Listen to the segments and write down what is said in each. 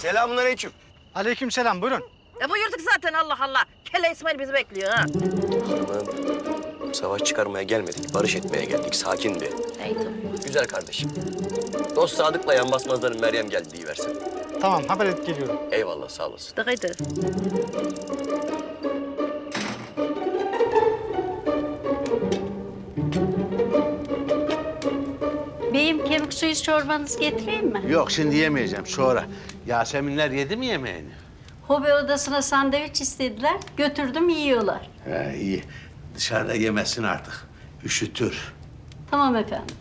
Selamünaleyküm. Aleykümselam, buyurun. Buyurduk zaten Allah Allah. Kelle İsmail bizi bekliyor ha. Hanımım, savaş çıkarmaya gelmedik, barış etmeye geldik. Sakin bir. Neydi? Güzel kardeşim. Dost Sadık'la yan basmazların Meryem geldi deyiversin. Tamam, haber edip geliyorum. Eyvallah, sağ olasın. Dıkıydı. Beyim kemik suyu çorbanızı getireyim mi? Yok şimdi yemeyeceğim sonra. Yaseminler yedi mi yemeğini? Hobi odasına sandviç istediler. Götürdüm yiyorlar. He iyi. Dışarıda yemesin artık. Üşütür. Tamam efendim.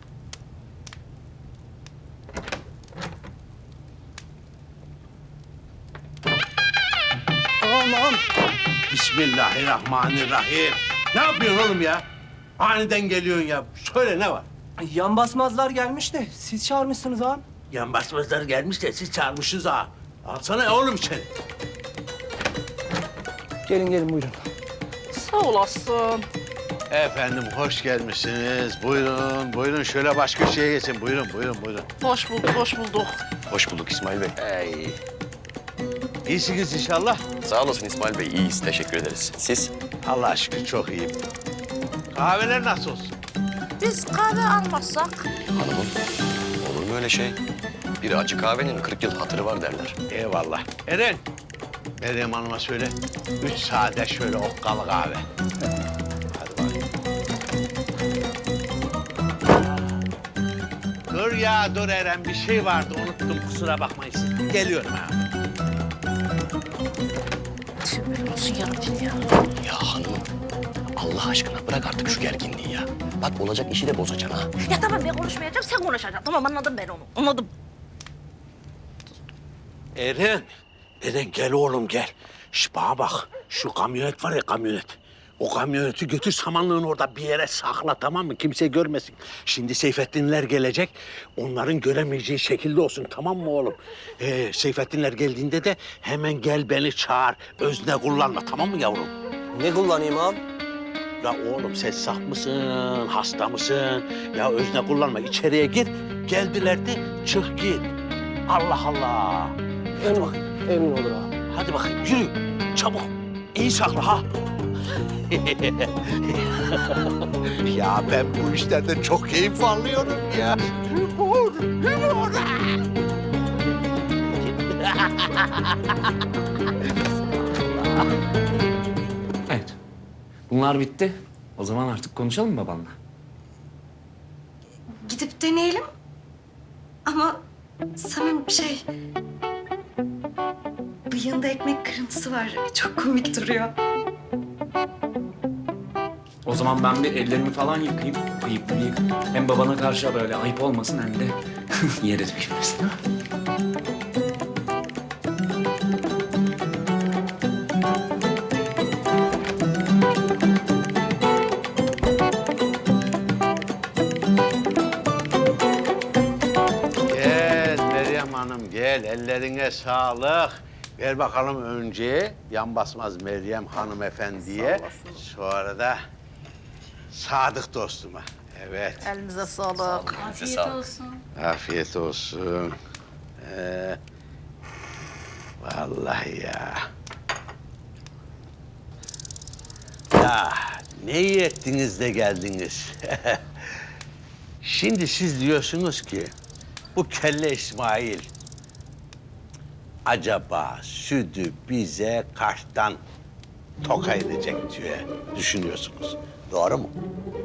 Aman. Bismillahirrahmanirrahim. Ne yapıyorsun oğlum ya? Aniden geliyorsun ya. Söyle ne var? Yan basmazlar gelmiş de siz çağırmışsınız ağam. Yan basmazlar gelmiş de siz çağırmışsınız ha. Alsana oğlum içeri. Gelin gelin buyurun. Sağ olasın. Efendim hoş gelmişsiniz. Buyurun, buyurun. Şöyle baş köşeye geçin. Buyurun, buyurun, buyurun. Hoş bulduk, hoş bulduk. Hoş bulduk İsmail Bey. Ey. İyisiniz inşallah. Sağ olasın İsmail Bey, iyiyiz. Teşekkür ederiz. Siz? Allah'a şükür çok iyiyim. Kahveler nasıl olsun? Biz kahve almazsak. Hanımım, olur mu öyle şey? Bir acı kahvenin 40 yıl hatırı var derler. Eyvallah. Eren, Meryem Hanım'a söyle. 3 sade şöyle okkalı kahve. Hadi bakayım. Dur ya, dur Eren. Bir şey vardı, unuttum. Kusura bakmayın siz. Geliyorum ha. Tübür olsun yarabbim ya. Ya hanımım, Allah aşkına bırak artık şu gerginliği ya. Bak olacak işi de bozacaksın ha. Ya tamam ben konuşmayacağım, sen konuşacaksın. Tamam anladım ben onu, anladım. Eren, Eren gel oğlum gel. Şş bana bak, şu kamyonet var ya kamyonet. O kamyoneti götür samanlığın orada bir yere sakla tamam mı? Kimse görmesin. Şimdi Seyfettinler gelecek. Onların göremeyeceği şekilde olsun tamam mı oğlum? Seyfettinler geldiğinde de hemen gel beni çağır. Özne kullanma tamam mı yavrum? Ne kullanayım ağam? Ya oğlum sen saf mısın, hasta mısın? Ya özne kullanma içeriye gir. Geldiler de çık git. Allah Allah. Emin olur ağam. Hadi bakayım yürü çabuk. İyi sakla ha. Ya ben bu işlerden çok keyif alıyorum ya. Humor, humor. Evet. Bunlar bitti. O zaman artık konuşalım mı babanla? Gidip deneyelim. Ama Samim bıyığında ekmek kırıntısı var. Çok komik duruyor. O zaman ben bir ellerimi falan yıkayayım. Ayıp. Hem babana karşı böyle ayıp olmasın hem de yere düşmesin. Gel Meryem Hanım gel. Ellerine sağlık. Ver bakalım önce yan basmaz Meryem hanımefendiye. Sonra da Sadık dostuma. Evet. Elinize sağlık. Afiyet olsun. Afiyet olsun. Vallahi ya. Ya ne iyi ettiniz de geldiniz. Şimdi siz diyorsunuz ki bu kelle İsmail acaba sütü bize kaçtan toka edecek diye düşünüyorsunuz. Doğru mu?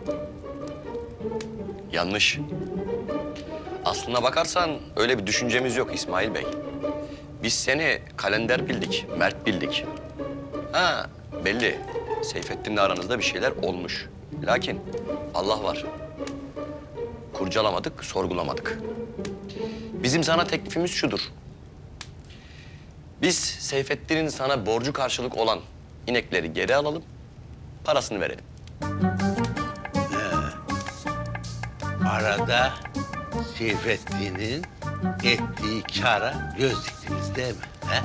Yanlış. Aslına bakarsan öyle bir düşüncemiz yok İsmail Bey. Biz seni kalender bildik, mert bildik. Ha belli. Seyfettin'le aranızda bir şeyler olmuş. Lakin Allah var. Kurcalamadık, sorgulamadık. Bizim sana teklifimiz şudur. Biz Seyfettin'in sana borcu karşılık olan inekleri geri alalım, parasını verelim. Arada Seyfettin'in ettiği kâra göz diktiniz değil mi? He?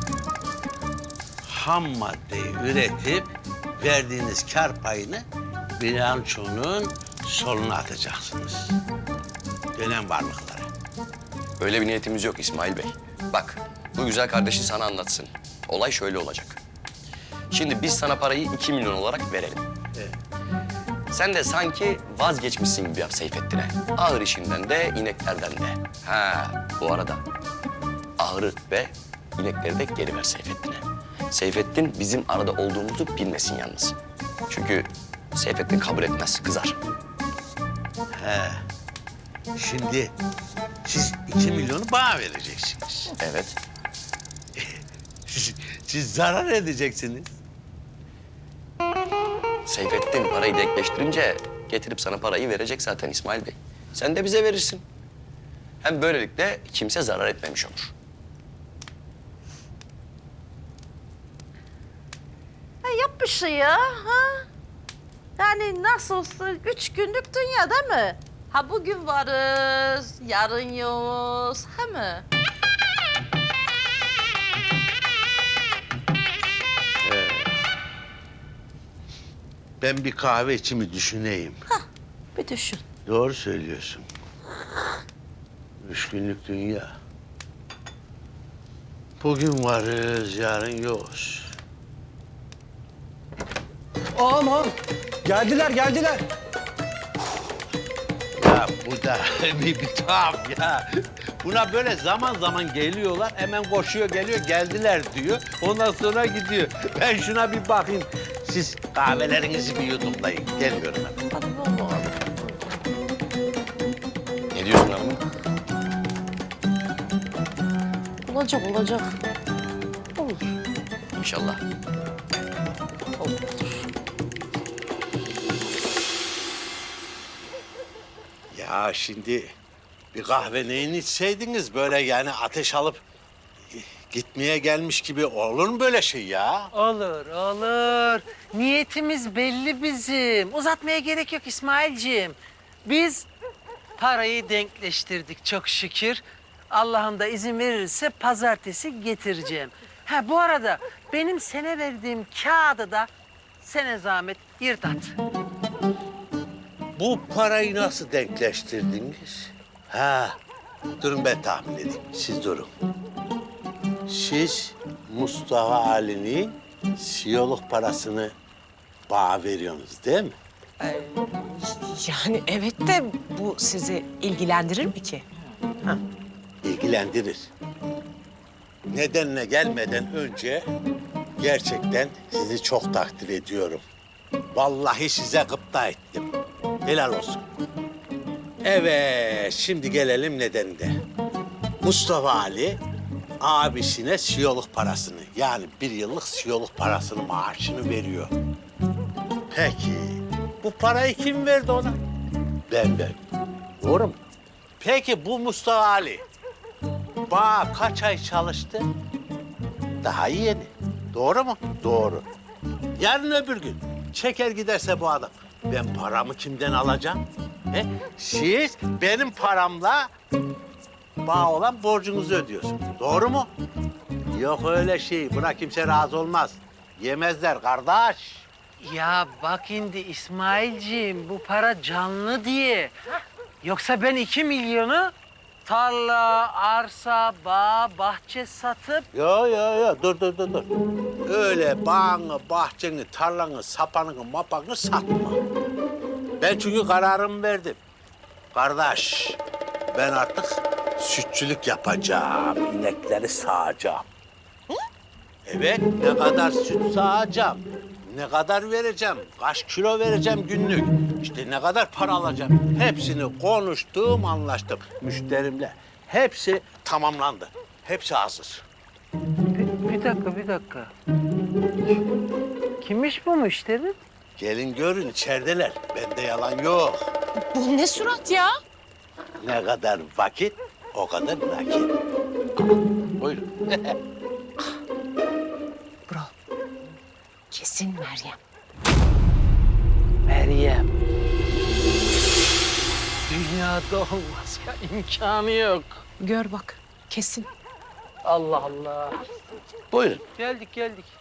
Ham maddeyi üretip verdiğiniz kâr payını bilançonun soluna atacaksınız. Dönem varlıklara. Öyle bir niyetimiz yok İsmail Bey. Bak, bu güzel kardeşin sana anlatsın. Olay şöyle olacak. Şimdi biz sana parayı 2 milyon olarak verelim. Sen de sanki vazgeçmişsin gibi yap Seyfettin'e. Ahır işinden de, ineklerden de. Ha, bu arada ahırı ve inekleri de geri ver Seyfettin'e. Seyfettin bizim arada olduğumuzu bilmesin yalnız. Çünkü Seyfettin kabul etmez, kızar. Şimdi siz 2 milyonu bana vereceksiniz. Evet. Siz zarar edeceksiniz. Seyfettin parayı denkleştirince getirip sana parayı verecek zaten İsmail Bey. Sen de bize verirsin. Hem böylelikle kimse zarar etmemiş olur. Yap bir şey ya. Ha? Yani nasıl olsa 3 günlük dünya değil mi? Ha bugün varız, yarın yokuz, he mi? Ben bir kahve içimi düşüneyim. Bir düşün. Doğru söylüyorsun. 3 günlük dünya. Bugün varız, yarın yokuz. Aman. Geldiler geldiler. Ya bu da bir tuhaf ya. Buna böyle zaman zaman geliyorlar, hemen koşuyor geliyor, geldiler diyor. Ondan sonra gidiyor. Ben şuna bir bakayım. Siz kahvelerinizi bir yudumlayın. Geliyorum hemen. Ne diyorsun hanım? Olacak, olacak. İnşallah. Ya şimdi bir kahve neyin içseydiniz böyle yani ateş alıp gitmeye gelmiş gibi olur mu böyle şey ya? Olur, olur. Niyetimiz belli bizim. Uzatmaya gerek yok İsmailciğim. Biz parayı denkleştirdik çok şükür. Allah'ım da izin verirse pazartesi getireceğim. Ha bu arada benim sana verdiğim kağıdı da sene zahmet yırt at. Bu parayı nasıl denkleştirdiniz? Ha, durun ben tahmin edeyim. Siz durun. Siz Mustafa Ali'nin siyoluk parasını bana veriyorsunuz değil mi? Yani evet de bu sizi ilgilendirir mi ki? İlgilendirir. Nedenine gelmeden önce gerçekten sizi çok takdir ediyorum. Vallahi size gıpta ettim. Helal olsun. Evet, şimdi gelelim nedenine. Mustafa Ali abisine siyoluk parasını yani 1 yıllık siyoluk parasını maaşını veriyor. Peki bu parayı kim verdi ona? Ben verdim. Doğru mu? Peki bu Mustafa Ali bana kaç ay çalıştı? Daha yeni. Doğru mu? Doğru. Yarın öbür gün çeker giderse bu adam ben paramı kimden alacağım? He? Siz benim paramla bana olan borcunuzu ödüyorsun. Doğru mu? Yok öyle şey. Buna kimse razı olmaz. Yemezler kardeş. Ya bak şimdi İsmailciğim bu para canlı diye. Yoksa ben 2 milyonu tarla, arsa, bağ, bahçe satıp... Yo. Dur. Öyle bağını, bahçeni, tarlanı, sapanını, mapanı satma. Ben çünkü kararımı verdim. Kardeş, ben artık sütçülük yapacağım. İnekleri sağacağım. Evet, ne kadar süt sağacağım, ne kadar vereceğim, kaç kilo vereceğim günlük, işte ne kadar para alacağım. Hepsini konuştum, anlaştım müşterimle. Hepsi tamamlandı. Hepsi hazır. Bir dakika. Kimmiş bu müşteri? Gelin görün, içerideler. Bende yalan yok. Bu ne surat ya? Ne kadar vakit, o kadar nakit. Buyurun. Kesin Meryem. Meryem. Dünyada olmaz ya, imkanı yok. Gör bak, kesin. Allah Allah. Buyurun. Geldik.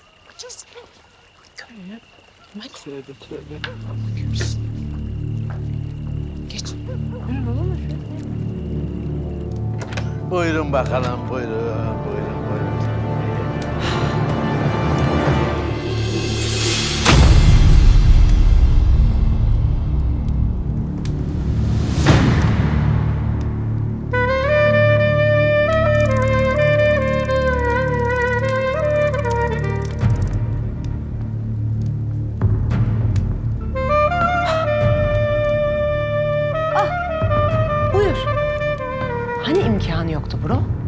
Hadi. Tövbe. Geç. Buyurun bakalım, buyurun, buyurun, buyurun. Buyur. Hani imkanı yoktu bro?